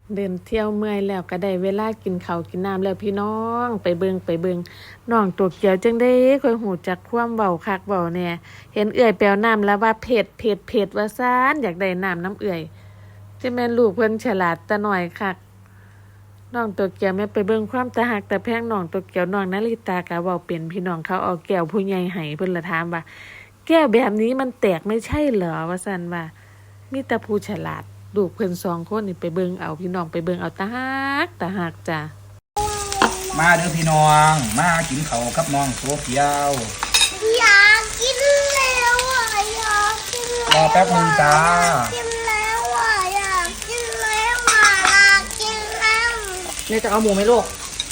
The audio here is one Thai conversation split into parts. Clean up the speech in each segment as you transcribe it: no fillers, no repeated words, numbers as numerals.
เดินเที่ยวเมื่อยแล้วก็ได้เวลากินข้าวกินน้ำแล้วพี่น้องไปเบิงน้องตัวเกียวจังได้ค่อยหูจักความเว้าคักเว้าแน่เห็นเอื้อยแปวน้ำแล้วว่าเผ็ดว่าซ่านอยากได้น้ำเอื้อยจะแม่นลูกเพิ่นฉลาดตะหน่อยคักน้องตัวเกียวแม่ไปเบิ่งความตาหักตาแพงน้องตัวเกียวน้องนาริตาก็เว้าเป็นพี่น้องเขาเอาแก้วผู้ใหญ่ให้เพิ่นละถามว่าแก้วแบบนี้มันแตกไม่ใช่เหรอว่าซั่นว่ามีแต่ผู้ฉลาดลูกเพิ่น2คนนี่ไปเบิ่งเอาพี่น้องไปเบิ่งเอาตาหักจ้ะมาเด้อพี่น้องมากินข้าวกับน้องโซเฟียวอยากกินแล้วอ่ะอยากกินรอแป๊บนึงจ้ากินแล้วอ่ะอยากกินแล้วอ่ะอยากกินแล้วเนี่ยจะเอาหมูไหมลูก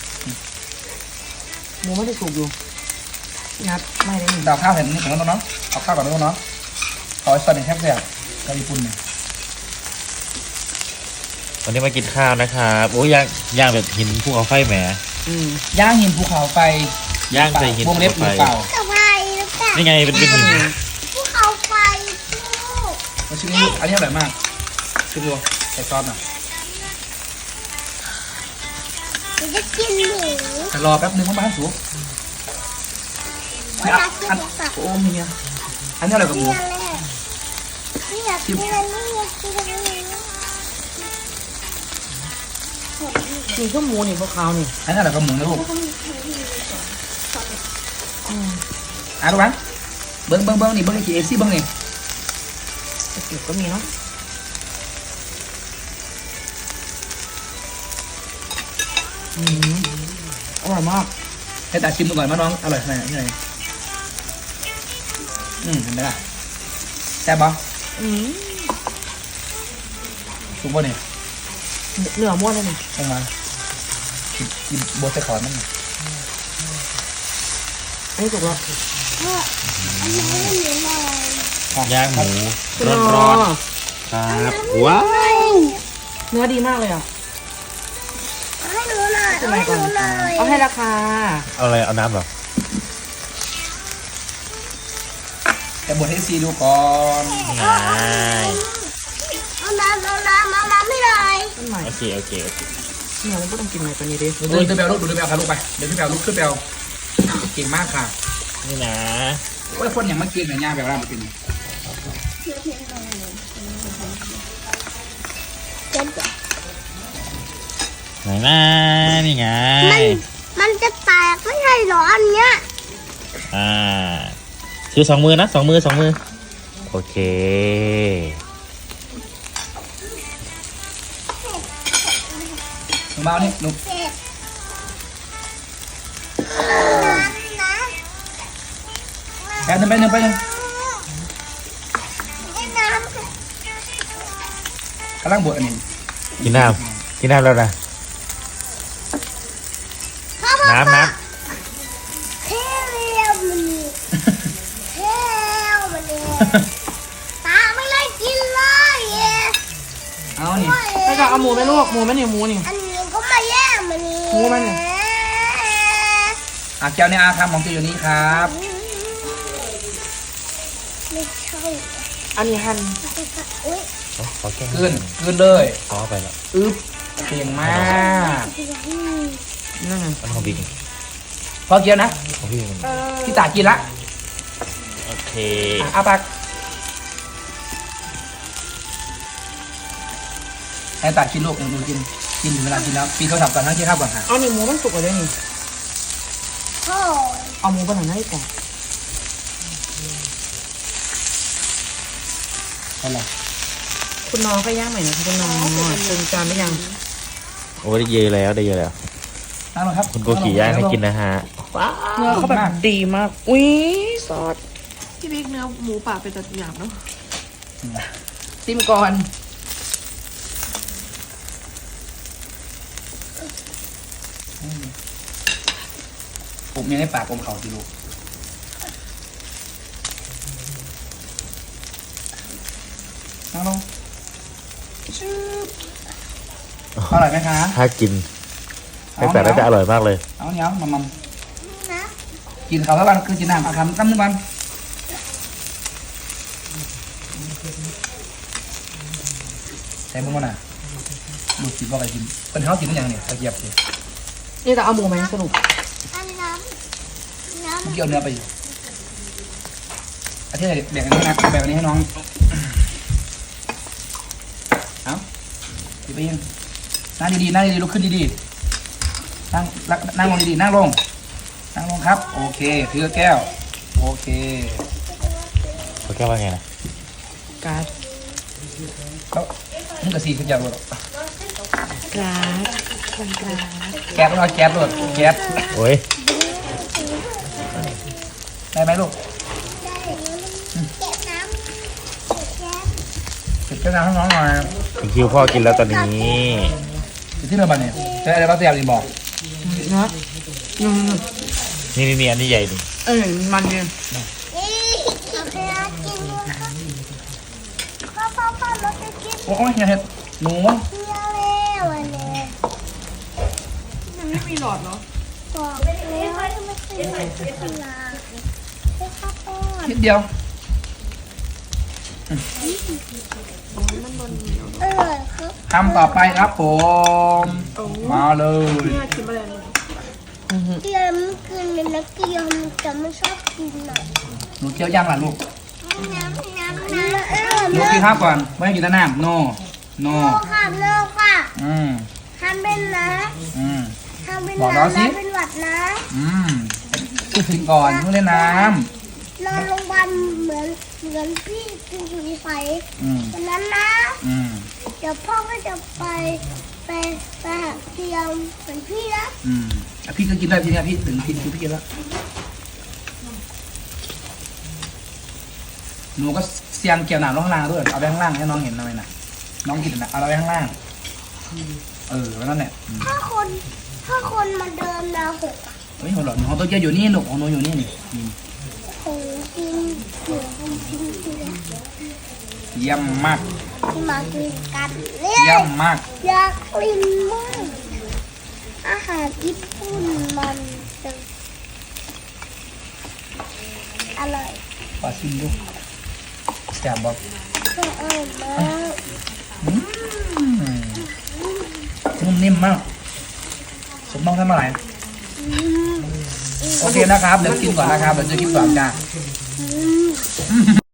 หมูไม่ได้สุกอยู่งัดไม่ได้หนึ่งดาวข้าวเห็นนี่ของน้องเนาะเอาข้าวก่อนน้องเนาะขอสตอเป็นแคบแซ่บกับญี่ปุ่นเนี่ยวันนี้มากินข้าวนะครับโอ้ย่างแบบหินภูเขาไฟแหมย่างหินภูเขาไฟย่างใส่หินวงเล็บหรือเปล่ากับไฟหรือเปล่านี่ไงเป็นหินภูเขาไฟลูกมาชิมนี่อันนี้อร่อยมากชิมดูใส่ซอสหน่อยหนูจะกินหมูแต่รอแป๊บนึงว่าบ้านสุกอยากกินหมูสับโอ้เมียอันนี้อร่อยกว่าหมูนี่อยากกินอันนี้อยากกินอันนี้นี่ก็หมูนี่พวกเขานี่อันนี้อร่อยกว่าหมูนะลูกดูบ้างเบิ้งนี่เบิ้งในKFCเบิ้งนี่สติก็มีเนาะอร่อยมากให้ตาชิมดูก่อนว่าน้องอร่อยขนาดไหนเห็นไหมล่ะแซ่บปะสุกป่ะเนี่ยเนื้อม้วนเลยนี่ลงมากินโบสใส่ขอนมันอันนี้สุกแล้วอันนี้ไม่มีเลยย่างหมูร้อนๆครับว้าวเนื้อดีมากเลยอ่ะให้หนูหน่อยทำไมให้หก่อนนูหน่อยเอาให้ราคาเอาอะไรเอาน้ำเหรอแต่บดให้ซีดูก่อนง่ายเอาน้ำไม่เลยต้นใหม่โอเคเนื้อมันก็ต้องกินใหม่กว่านี้ดิดูพี่แปลลูกค่ะลูกไปเดี๋ยวพี่แปลลุกขึ้นแปลเก่งมากค่ะนี่นะโอ้ยคนอย่างเมื่อกี้เนี่ยย่างแปลว่ามันเป็นไหนนะนี่ไงมันจะแตกไม่ใช่เหรออันเนี้ยถือ2 มือนะ2 มือโอเคหนูเบานี่หนูเผ็ดนะแป๊บนึงให้น้ำกำลังบดอันนี้กินน้ำแล้วนะน้ำเทเรียมมันนี่เทเรียมมันนี่ตาไม่ได้กินเลยเย้เอานี่ไม่จะเอาหมูไหมลูกหมูไหมเนี่ยหมูนี่อันนี้ก็มาแย่งมันนี่หมูมันนี่แก้วในอาคำของเจ้าอยู่นี้ครับไม่ใช่อันนี้หั่นอุ้ยขอแก้เกินเลยขอไปแล้วอึ๊บเก่งมากนั่นไงมันของพี่พอเกี๊ยวนะของพี่พี่ตากินละโอเคอาปากให้ตากินลูกหนูกินเวลากินแล้วปีเขาทำก่อนทั้งที่ข้าวก่อนค่ะเอานี่หมูมันสุกเลยนี่โอ้ยเอาหมูไปหน่อยให้ก่อนอะไรคุณน้องก็ย่างใหม่นะคะคุณน้องปรุงจานได้ยังโอ้ได้เยอะแล้วนั่งลงครับคุณโกกิย่างให้กินนะฮะว้าวเนื้อเขาแบบดีมากอุ้ยซอสพี่บิ๊กเนื้อหมูป่าเป็นตัดหยาบเนาะซิมก่อนผมยังให้ปากอมเขาสิลูกนั่งลงชื่ออร่อยไหมคะถ้ากินแต่น่าจะอร่อยมากเลยเอาเนี้ยมัมนะกินเขาแล้ววันคือกินน้ำเอาคำตั้มนึงวันใส่มือมันอ่ะดูกินว่าอะไรกินเป็นเขากินอย่างเนี่ยตะเกียบสินี่จะเอาหมูไหมสรุปอันน้ำเกี่ยวเนื้อไปอยู่อาทิตย์แบ่งอันนี้นะแบ่งอันนี้ให้น้องเอาดีไปยังนั่งดีๆนั่งดีๆลุกขึ้นดีๆนั่งลงดีๆนั่งลงครับ โอเคถือแก้วโอเคเขาแก้ว่าไงนะการ์ดเขามึงกับซีขึ้นยาวเลยกราดกราดแก๊สต้องเอาแก๊สด้วยแก๊สโอ้ยได้ไหมลูกเก็บน้ำเก็บแก๊สเก็บแก้วน้ำให้น้องหน่อยถึงคิวพ่อกินแล้วตอนนี้จะที่เรือบันเนี่ยใช้อะไรบ้างเสียบดีบอกนะอืมนี่อันนี้ใหญ่ดิมันเนี่ยนี่โอเคกินด้วยค่ะพ่อเราจะกินโอ้ยเห็ดหนูเที่ยวแล้ววันนี้มันไม่มีหลอดเหรอบอกแล้วว่าไม่ใช่ขนมให้ข้าวป้อนนิดเดียวอร่อยครับทำต่อไปครับผมมาเลยเกี๊ยวมันกินเลยนะเกี๊ยวมันจะไม่ชอบกินหน่อยหนูเคี้ยวย่างล่ะลูกน้ำหนูกินข้าวก่อนไม่ให้กินแต่น้ำโนโลค่ะโลค่ะอืมทำเป็นนะอืมทำเป็นบอกน้องน้ำสินะเป็นหวัดนะอืมกินก่อนเพิ่งเล่นน้นอนโรงพยาบาลเหมือนพี่กินอยู่ในไฟำอืมวันนั้นนะอืมเดี๋ยวพ่อก็จะไปหาเตียงเหมือนพี่นะอืมอ่ะพี่ก็กินได้ทีเนี้ยพี่ถึงกินคือพี่กินแล้วหนูก็เสียงเกี่ยวหนามลงข้างล่างด้วยเอาไปข้างล่างให้น้องเห็นหน่อยนะน้องกินนะเอาไปข้างล่างแล้วนั่นแหละอืมถ้าคนมาเดินดาวหกอะเฮ้ยหัวหลอดของตัวเกียวอยู่นี่ลูกของหนูอยู่นี่นี่อืมคงกินเหมือนคนกินเตียงเยี่ยมมากที่มากินกันเลเยี่ยยมมากอยากกินมากอาหารญี่ปุ่นมันจะอร่อยปลาชิมดูแซ่บบอกอร่อยมากนุ่มนิ่มมากสมต้องทำอะไรอืมโอเคนะครับ เดี๋ยวกินก่อนนะครับ เดี๋ยวจะกินก่อนจ้าอืม